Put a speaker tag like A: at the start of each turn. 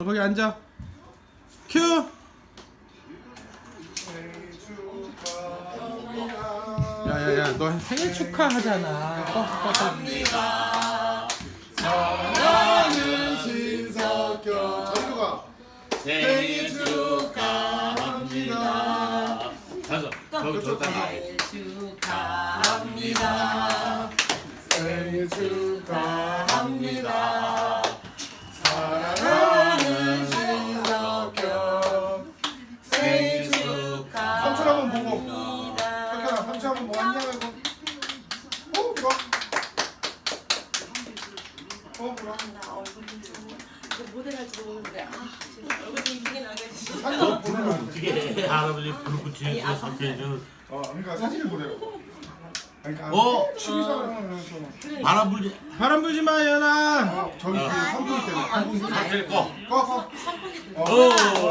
A: 거기 앉아. 큐. 야야야, 너 생일 축하하잖아.
B: 축하합니다. 사랑하는 신석경. 저리가 생일 축하합니다.
C: 가서
B: 생일 축하합니다. 생일 축하합니다. 사랑하는 신석경 생일 축하. 삼촌 한번 보고. 석경아, 삼촌 한번 뭐 안녕 하고. 그럼. 그럼.
D: 나 얼굴 좀 모델 할지도 모르는데 지금 얼굴 좀 이쁘게 나가지.
B: 사진 보내면 안 돼.
C: 어떻게 할아버지 불붙이는 석회는
B: 그러니까 사진을 보내라고. 그러니까 취미생활 하면
C: 바람 불지.
A: 바람 불지 마, 연아.
B: 저기 그 선풍기 때문에.
C: 석회 꺼.
B: 꺼.
D: 삼분이
C: 오.